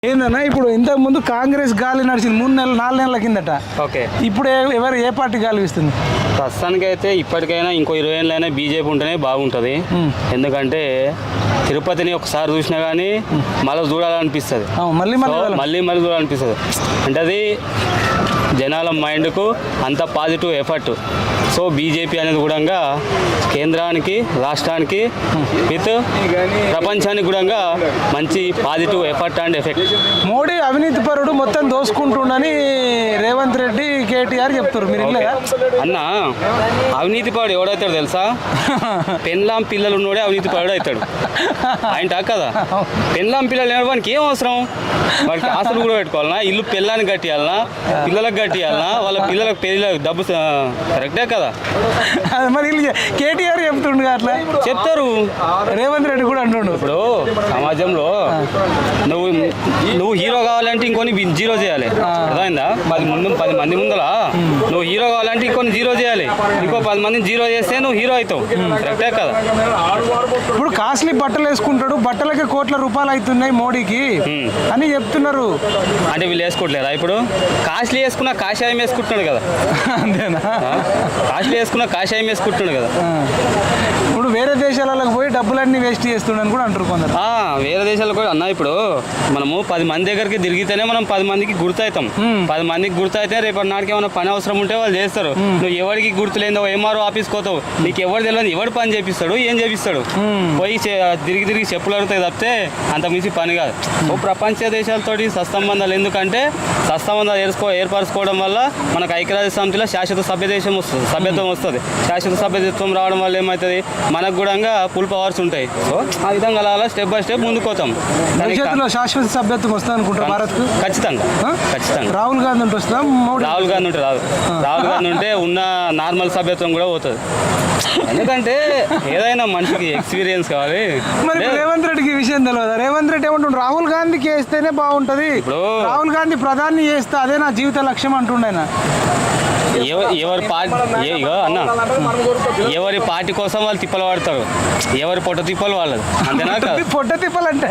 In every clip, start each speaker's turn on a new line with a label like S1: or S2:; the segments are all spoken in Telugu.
S1: ఏందన్నా ఇప్పుడు ఇంతకు ముందు కాంగ్రెస్ గాలి నడిచింది 3 నెలలు 4 నెలల కిందట.
S2: ఓకే,
S1: ఇప్పుడు ఏ పార్టీ గాలి ఇస్తుంది?
S2: ప్రస్తుతానికి అయితే ఇప్పటికైనా ఇంకో 20 ఏళ్ళైనా బీజేపీ ఉంటేనే బాగుంటుంది. ఎందుకంటే తిరుపతిని ఒకసారి చూసినా కానీ మళ్ళీ చూడాలనిపిస్తుంది, మళ్ళీ చూడాలనిపిస్తుంది. అంటే అది జనాల మైండ్కు అంత పాజిటివ్ ఎఫర్ట్. సో బీజేపీ అనేది కూడా కేంద్రానికి రాష్ట్రానికి విత్ ప్రపంచానికి కూడా మంచి positive effort and effect.
S1: Modi అవినీతి పరుడు మొత్తం దోసుకుంటుండని రేవంత్ రెడ్డి కేటీఆర్ చెప్తారు. మీరు
S2: అన్న అవినీతి పరుడు ఎవడవుతాడు తెలుసా? పెన్లాం పిల్లలు ఉన్నోడే అవినీతి పరుడు అవుతాడు. ఆయన కదా పెన్లాం పిల్లలు వానికి ఏం అవసరం? వాడికి ఆశలు కూడా పెట్టుకోవాలన్నా, ఇల్లు పిల్లానికి కట్టియాలన్నా, పిల్లలకు కట్టియాలన్నా, వాళ్ళ పిల్లలకు పెళ్ళి డబ్బు కరెక్టే కదా.
S1: మరి కేటీఆర్ చెప్తుండు అట్లా
S2: చెప్తారు,
S1: రేవంత్ రెడ్డి కూడా అంటుండు.
S2: ఇప్పుడు సమాజంలో నువ్వు హీరో కావాలంటే ఇంకొని జీరో చేయాలి, అర్థమైందా? 10 మంది ముందర నువ్వు హీరో కావాలంటే ఇంకొని జీరో చేయాలి, ఇంకో 10 మందిని జీరో చేస్తే నువ్వు హీరో అవుతావు. కరెక్టే కదా.
S1: ఇప్పుడు కాస్ట్లీ బట్టలు వేసుకుంటాడు, బట్టలకి కోట్ల రూపాయలు అవుతున్నాయి మోడీకి అని చెప్తున్నారు.
S2: అంటే వీళ్ళు వేసుకోవట్లేదా? ఇప్పుడు కాస్ట్లీ వేసుకున్నా కాషాయం వేసుకుంటున్నాడు కదా.
S1: అంతేనా?
S2: కాస్ట్లీ వేసుకున్నా కాషాయం వేసుకుంటున్నాడు కదా.
S1: ఇప్పుడు వేరే దేశాలకు పోయి డబ్బులన్నీ వేస్ట్ చేస్తుండని కూడా అంటారు కొందరు.
S2: వేరే దేశాలకు కూడా అన్న, ఇప్పుడు మనము 10 మంది దగ్గరికి తిరిగితేనే మనం 10 మందికి గుర్తవుతాం. 10 మందికి గుర్తయితే రేపటి నాటికి ఏమైనా పని అవసరం ఉంటే వాళ్ళు చేస్తారు. నువ్వు ఎవరికి గుర్తులేదో ఎంఆర్ఓ ఆఫీస్కి పోతావు, నీకు ఎవరు తెలియదు, ఎవరు పని చేపిస్తాడు, ఏం చేపిస్తాడు? పోయి తిరిగి చెప్పులు అడుగుతాయి తప్పితే అంత మించి పని కాదు. ప్రపంచ దేశాలతోటి సత్సంబంధాలు, ఎందుకంటే సత్సంబంధాలు ఏర్పరచుకోవడం వల్ల మనకు ఐక్యరాజ్య సమితిలో శాశ్వత సభ్యత్వం వస్తుంది. శాశ్వత సభ్యత్వం రావడం వల్ల ఏమవుతుంది, మనకు కూడా ఫుల్ పవర్స్ ఉంటాయి. సో ఆ విధంగా అలా స్టెప్ బై స్టెప్ ముందుకు పోతాం.
S1: భవిష్యత్తులో శాశ్వత సభ్యత్వం వస్తుంది అనుకుంటారు భారత్కు.
S2: ఖచ్చితంగా.
S1: రాహుల్ గాంధీ ఉంటే వస్తుందా?
S2: రాహుల్ గాంధీ ఉంటే రాదు. రాహుల్ గాంధీ ఉంటే ఉన్న నార్మల్ సభ్యత్వం కూడా పోతుంది. ఎందుకంటే ఏదైనా మనిషికి ఎక్స్పీరియన్స్ కావాలి.
S1: మరి రేవంత్ రెడ్డికి ఈ విషయం తెలియదు. రేవంత్ రెడ్డి ఏమంటుండ్రు, రాహుల్ గాంధీకి వేస్తేనే బాగుంటది, రాహుల్ గాంధీ ప్రధాని చేస్తే అదే నా జీవిత లక్ష్యం అంటుండేనా.
S2: ఎవరి పార్టీ కోసం వాళ్ళు తిప్పలు పడతారు, ఎవరి పొట్ట తిప్పలు వాళ్ళది. అంతేనా?
S1: పొట్ట తిప్పలు అంటే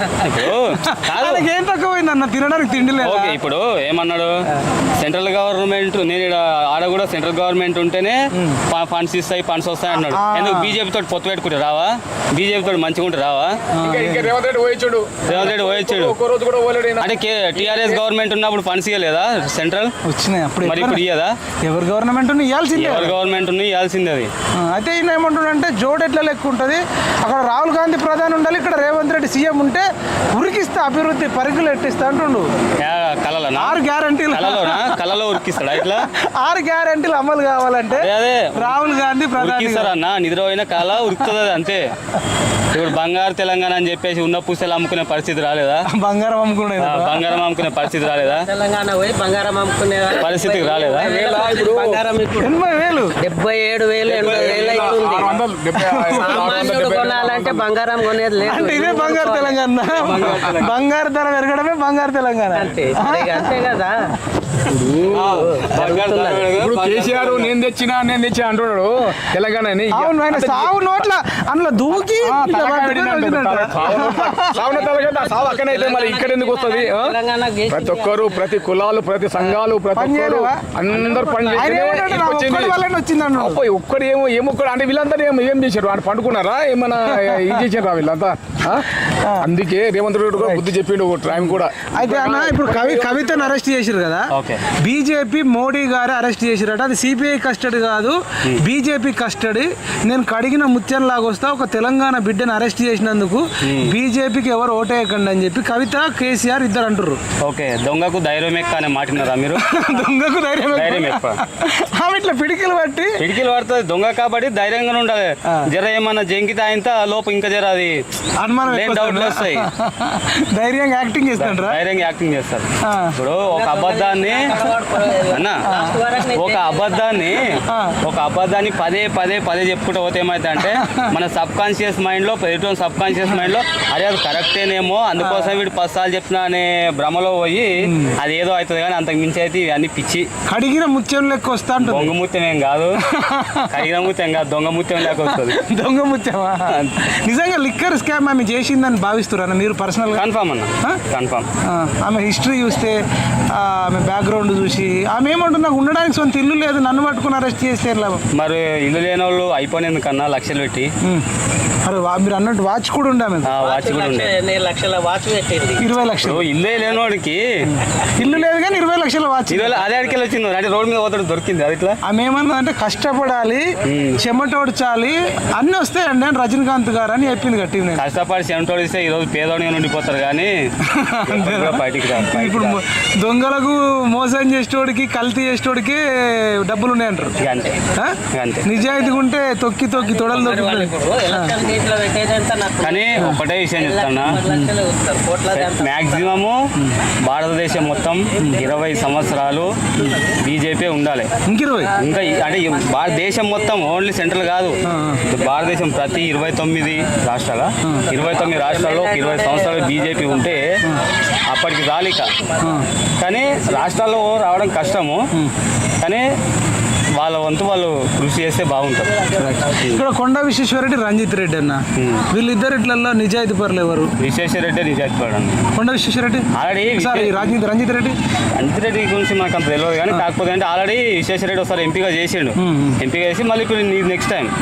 S1: ఏం తక్కువైంది అన్న, తినడానికి తిండి లేదు.
S2: ఓకే, ఇప్పుడు ఏమన్నాడు, సెంట్రల్ గవర్నమెంట్, నేను ఆడ కూడా సెంట్రల్ గవర్నమెంట్ ఉంటేనే ఫండ్స్ ఇస్తాయి, ఫండ్స్ వస్తాయి అన్నాడు. ఎందుకు బీజేపీ తోటి పొత్తు పెట్టుకుంటే రావా? బీజేపీ తోటి మంచిగా ఉంటే రావా? రేవంత్ రెడ్డి పోయొచ్చాడు. అంటే టీఆర్ఎస్ గవర్నమెంట్ ఉన్నప్పుడు ఫండ్స్ ఇవ్వలేదా సెంట్రల్?
S1: వచ్చినాయి అప్పుడు.
S2: మరి ఇప్పుడు ఇయ్యదా?
S1: ఎవరు గవర్నమెంట్ ఇవ్వాల్సిందే,
S2: ఎవరు గవర్నమెంట్ ఇవ్వాల్సిందే అది.
S1: అయితే ఈయన ఏమంటుండంటే జోడు ఎట్లా లెక్క ఉంటుంది, అక్కడ రాహుల్ గాంధీ ప్రధాని ఉండాలి, ఇక్కడ రేవంత్ రెడ్డి సీఎం ఉంటే ఉరికిస్తా, అభివృద్ధి పరుగులు ఎట్టిస్తా అంటుండు. 6 గ్యారంటీలు
S2: కళలో ఉరికిస్తాడా? ఇట్లా
S1: 6 గ్యారంటీలు అమలు కావాలంటే
S2: అదే
S1: రాహుల్ గాంధీ ప్రధాని
S2: అన్న, నిద్రపోయిన కళ ఉరుకుతుంది అంతే. ఇప్పుడు బంగారు తెలంగాణ అని చెప్పేసి ఉన్న పూసలు అమ్ముకునే పరిస్థితి రాలేదా?
S1: బంగారం అమ్ముకునే
S2: పరిస్థితి రాలేదా?
S3: తెలంగాణ పోయి బంగారం అమ్ముకునే
S2: పరిస్థితికి రాలేదా?
S3: 80,000 77,000 80,000 అవుతుంది. సామాన్యుడు కొనాలంటే బంగారం కొనేది లేదు.
S1: అంటే ఇదే బంగారు తెలంగాణ. బంగారు ధర పెరగడమే బంగారు తెలంగాణ.
S3: అంతే కదా.
S4: ఇప్పుడు కేసీఆర్ నేను తెచ్చినా అంటున్నాడు తెలంగాణ.
S1: అవును, ఆయన సాగు నోట్ల అందులో దూకి
S4: అక్కడైతే మరి ఇక్కడ ఎందుకు వస్తుంది? ప్రతి ఒక్కరు, ప్రతి కులాలు, ప్రతి సంఘాలు, ప్రతి ఒక్కరు అందరు పని ఒక్కడు ఏమొక్కడు అంటే వీళ్ళంతా ఏం చేశారు? వాళ్ళు పండుకున్నారా? ఏమన్నా ఇది చేశారా వీళ్ళంతా? అందుకే రేవంత్ రెడ్డి కూడా బుద్ధి చెప్పిండు టైం కూడా.
S1: అయితే అన్న, ఇప్పుడు కవితను అరెస్ట్ చేశారు కదా, బీజేపీ మోడీ గారు అరెస్ట్ చేశారట. అది సిబిఐ కస్టడీ కాదు, బీజేపీ కస్టడీ. నేను కడిగిన ముత్యం లాగా వస్తా, ఒక తెలంగాణ బిడ్డను అరెస్ట్ చేసినందుకు బీజేపీకి ఎవరు ఓటేయకండి అని చెప్పి కవిత, కేసీఆర్ ఇద్దరు అంటారు.
S2: ఓకే, దొంగకు ధైర్యం ఎక్కువ అనే మాట్లాడారా మీరు?
S1: దొంగకు ధైర్యం ఎక్కువ. ఇట్లా పిడికిలు
S2: పడుతుంది దొంగ కాబట్టి ధైర్యంగా ఉండాలి. జర ఏమన్నా జంకితే ఆయన లోపు ఇంకా జర అది అనుమానం డౌట్లు వస్తాయి.
S1: ధైర్యంగా యాక్టింగ్ చేస్తారు.
S2: ఇప్పుడు ఒక అబద్ధాన్ని పదే చెప్పుకుంటూ పోతే ఏమైతే అంటే మన సబ్ కాన్షియస్ మైండ్ లో అరే అది కరెక్టేనేమో, అందుకోసం వీడు 10 సార్లు చెప్తున్నా అనే భ్రమలో పోయి అది ఏదో అవుతుంది. కానీ అంతకు మించి అయితే ఇవన్నీ పిచ్చి.
S1: కడిగిన ముత్యం లెక్క వస్తా,
S2: దొంగ ముత్యం ఏం కాదు, కడిగిన ముత్యం కాదు, దొంగ ముత్యం లెక్క వస్తుంది.
S1: దొంగ ముత్యమా? నిజంగా లిక్కర్ స్కామ్ ఆమె చేసిందని భావిస్తున్నారా మీరు పర్సనల్గా?
S2: కన్ఫామ్ అన్న, కన్ఫామ్.
S1: ఆమె హిస్టరీ చూస్తే, ఆమె బ్యాక్గ్రౌండ్ చూసి ఆమె ఏమంటుంది, నాకు ఉండడానికి సొంత ఇల్లు లేదు, నన్ను పట్టుకుని అరెస్ట్ చేస్తే లాభం.
S2: మరి ఇల్లు లేని వాళ్ళు అయిపోయినందు కన్నా లక్షలు పెట్టి,
S1: అరే మీరు అన్నట్టు వాచ్ కూడా ఉండే ఆమె,
S2: వాచ్ కూడా ఉండే.
S3: 20 లక్షల వాచ్ పెట్టింది.
S1: 20 లక్షలు
S2: ఇల్లే లేనివాడికి
S1: ఇల్లు లేదు కానీ 20 లక్షల వాచ్.
S2: అదే అడికెళ్ళి వచ్చింది, అంటే రోడ్డు మీద పోతాడు దొరికింది. అది ఇట్లా
S1: ఆమె ఏమన్నా అంటే కష్టపడాలి, చెమటోడ్చాలి, అన్నీ వస్తాయండి అని రజనీకాంత్ గారు అని చెప్పింది గట్టి.
S2: కష్టపడి చెమటోడిస్తే ఈరోజు పేదోడిగా ఉండిపోతారు కానీ బయటికి రాదు.
S1: ఇప్పుడు దొంగలకు మోసం చేసేటోడికి, కల్తీ చేసేటోడికి డబ్బులు ఉన్నాయంటారు.
S2: అంతే అంతే.
S1: నిజాయితీగా ఉంటే తొక్కి తొక్కి తొడలు దొరుకుతుంది.
S3: ఎలక్షన్ దీంట్లో పెట్టేదంతా నాకు
S2: కానీ ఒకటే విషయం చెప్తాను,
S3: 10 లక్షలు వస్తారు, కోట్లది అంతా.
S2: మ్యాక్సిమము భారతదేశం మొత్తం 20 సంవత్సరాలు బీజేపీ ఉండాలి.
S1: ఇంక 20
S2: ఇంకా అంటే భారతదేశం మొత్తం, ఓన్లీ సెంట్రల్ కాదు, భారతదేశం ప్రతి 29 రాష్ట్రాల 29 రాష్ట్రాల్లో 20 సంవత్సరాలు బీజేపీ ఉంటే అప్పటికి రాలిక. కానీ రాష్ట్రాల్లో రావడం కష్టము, కానీ వాళ్ళ వంతు వాళ్ళు కృషి చేస్తే బాగుంటుంది.
S1: ఇక్కడ కొండా విశ్వేశ్వరరెడ్డి, రంజిత్ రెడ్డి అన్న, వీళ్ళిద్దరు ఇట్లలో నిజాయితీ పరులు ఎవరు?
S2: విశ్వేశ్వరరెడ్డి నిజాయితీ పడడం.
S1: కొండా విశ్వేశ్వరరెడ్డి
S2: ఆల్రెడీ
S1: సారీ రంజిత్ రెడ్డి
S2: రంజిత్ రెడ్డి గురించి మనకు అంత తెలియదు కానీ, కాకపోతే అంటే ఆల్రెడీ విశ్వేశ్వరరెడ్డి ఒకసారి ఎంపీగా చేసిండు. ఎంపీగా చేసి మళ్ళీ ఇప్పుడు నెక్స్ట్ టైం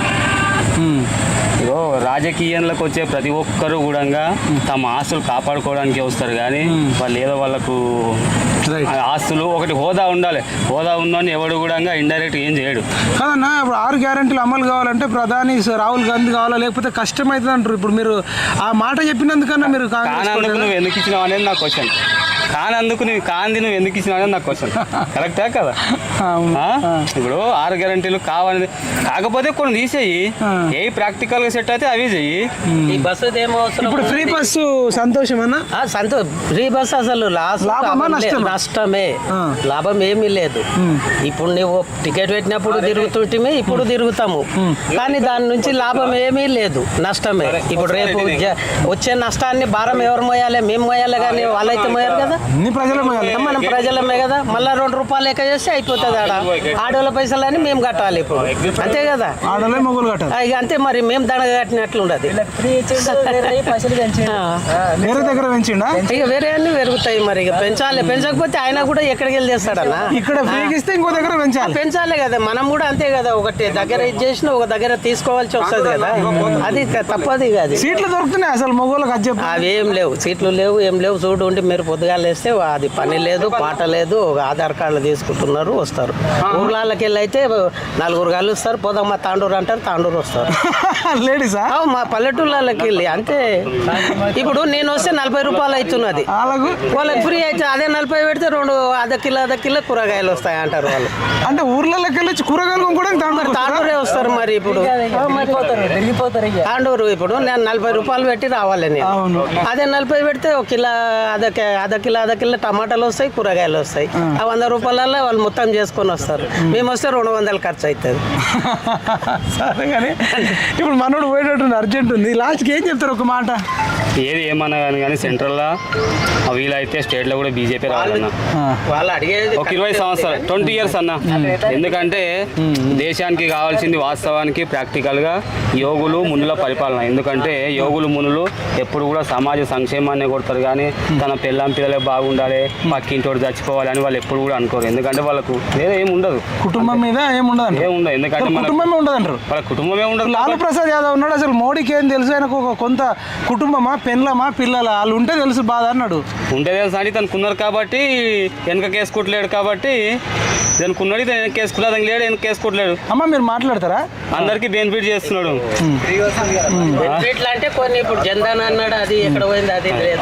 S2: ఇగో రాజకీయంలోకి వచ్చే ప్రతి ఒక్కరు కూడా తమ ఆస్తులు కాపాడుకోవడానికి వస్తారు కానీ వాళ్ళు ఏదో వాళ్ళకు ఆస్తులు ఒకటి హోదా ఉండాలి. హోదా ఉందని ఎవడు కూడా ఇండైరెక్ట్ ఏం చేయడు
S1: కాదన్నా. ఇప్పుడు 6 గ్యారెంటీలు అమలు కావాలంటే ప్రధాని రాహుల్ గాంధీ కావాలా, లేకపోతే కష్టమవుతుంది అంటారు. ఇప్పుడు మీరు ఆ మాట చెప్పినందుకన్నా మీరు
S2: కానందుకు నువ్వు ఎందుకు ఇచ్చినావు అనేది నా క్వశ్చన్. కానందుకు నువ్వు కాంది నువ్వు ఎందుకు ఇచ్చినావు అనేది నా క్వశ్చన్. కరెక్టా కదా? ఇప్పుడు 6 గ్యారెంటీలు కావాలి, కాకపోతే కొన్ని తీసేయి, ఏ ప్రాక్టికల్ గా సెట్ అయితే అవి చెయ్యి.
S3: ఈ బస్సు ఏమో అవసరం.
S1: ఇప్పుడు ఫ్రీ బస్సు సంతోషం అన్న,
S3: ఫ్రీ బస్ అసలు నష్టమే, లాభం ఏమీ లేదు. ఇప్పుడు నువ్వు టికెట్ పెట్టినప్పుడు తిరుగుతుంటే ఇప్పుడు తిరుగుతాము, కానీ దాని నుంచి లాభం ఏమీ లేదు, నష్టమే. ఇప్పుడు రేపు వచ్చే నష్టాన్ని భారం ఎవరు మోయాలి? మేము మోయాలి, కానీ వాళ్ళైతే మోయారు కదా, మనం ప్రజలమే కదా. మళ్ళీ 2 రూపాయలు లెక్క చేస్తే అయిపోతుంది. ఆడోళ్ళ పైసలని మేము కట్టాలి ఇప్పుడు, అంతే కదా?
S1: ఆడోళ్ళే మొగులు కట్టాలి.
S3: ఇక అంతే మరి, మేము దండగ కట్టినట్లు ఉండదు.
S1: వేరే దగ్గర పెంచిండా,
S3: ఇక వేరే అన్ని పెరుగుతాయి మరి. ఇక పెంచాలి, పెంచకపోతే ఆయన కూడా ఎక్కడికి వెళ్ళి చేస్తాడన్నా?
S1: ఇక్కడ ఫ్రీకి ఇస్తే ఇంకో దగ్గర
S3: పెంచాలి కదా. మనం కూడా అంతే కదా, ఒకటి దగ్గర ఇది చేసిన ఒక దగ్గర తీసుకోవాల్సి వస్తుంది కదా, అది తప్పది కాదు.
S1: సీట్లు దొరుకుతున్నాయి అసలు మొగోళ్ళకి? అది చెప్పు.
S3: అవి ఏం లేవు, సీట్లు లేవు, ఏం లేవు. చూడు ఉండి మీరు పొద్దుగాలు వేస్తే అది పని లేదు, పాట లేదు. ఒక ఆధార్ కార్డులు తీసుకుంటున్నారు, వస్తారు. ఊర్లకి వెళ్ళి అయితే 4 కలుస్తారు, పోదమ్మా తాండూరు అంటారు, తాండూరు వస్తారు.
S1: లేడీసా?
S3: మా పల్లెటూళ్ళకి వెళ్ళి అంతే. ఇప్పుడు నేను వస్తే 40 రూపాయలు అవుతున్నది, వాళ్ళకి ఫ్రీ అయితే అదే 40 పెడితే 2 అర్ధ కిలో కూరగాయలు వస్తాయి అంటారు వాళ్ళు.
S1: అంటే ఊర్లలోకి వెళ్ళి కూరగాయలు కొనుక్కోవడానికి
S3: తాండూరే వస్తారు మరి. ఇప్పుడు తాండూరు ఇప్పుడు నేను 40 రూపాయలు పెట్టి రావాలి నేను, అదే 40 పెడితే 1 కిలో అర్ధ కిలో టమాటాలు వస్తాయి, కూరగాయలు వస్తాయి. ఆ 100 రూపాయలలో వాళ్ళు మొత్తం చేసుకొని వస్తారు. మేము వస్తే 200 ఖర్చు అవుతుంది.
S1: సరే కానీ ఇప్పుడు మనోడు పోయేటట్టు అర్జెంట్ ఉంది, లాస్ట్కి ఏం చెప్తారు ఒక మాట?
S2: ఏది ఏమన్నా కానీ సెంట్రల్లో వీలైతే స్టేట్లో కూడా బీజేపీ రావాలన్నా.
S3: వాళ్ళు అడిగేది
S2: ఒక 20 సంవత్సరాలు 20 ఇయర్స్ అన్న. ఎందుకంటే దేశానికి కావాల్సింది వాస్తవానికి ప్రాక్టికల్గా యోగులు మునుల పరిపాలన. ఎందుకంటే యోగులు మునులు ఎప్పుడు కూడా సమాజ సంక్షేమాన్ని కొడతారు కానీ తన పిల్లలే బాగుండాలి, పక్కింటోడు చచ్చిపోవాలి అని వాళ్ళు ఎప్పుడు కూడా అనుకోరు. ఎందుకంటే వాళ్ళకు వేరే ఏమి ఉండదు,
S1: కుటుంబం మీద ఏముండదు.
S2: ఎందుకంటే
S1: కుటుంబమే ఉండదు అంటారు.
S2: వాళ్ళ కుటుంబమే ఉండదు.
S1: లాలూ ప్రసాద్ యాదవ్ ఉన్నాడు, అసలు మోడీకి ఏం తెలుసు? ఆయనకు ఒక కొంత కుటుంబమా, పెళ్ళమా, పిల్లల వాళ్ళు ఉంటే తెలుసు బాధ అన్నాడు.
S2: ఉంటే తెలుసు అని తనకున్నారు కాబట్టి వెనక కేసుకుంటలేడు, కాబట్టి దానికి వెనక కేసుకున్నాడు, దానికి లేడు, వెనక కేసుకుంటలేడు.
S1: అమ్మ మీరు మాట్లాడతారా?
S2: అందరికి బెనిఫిట్ చేస్తున్నాడు.
S3: బెనిఫిట్లు అంటే కొన్ని ఇప్పుడు జన్ధన్ అన్నాడు, అది ఎక్కడ పోయింది, అది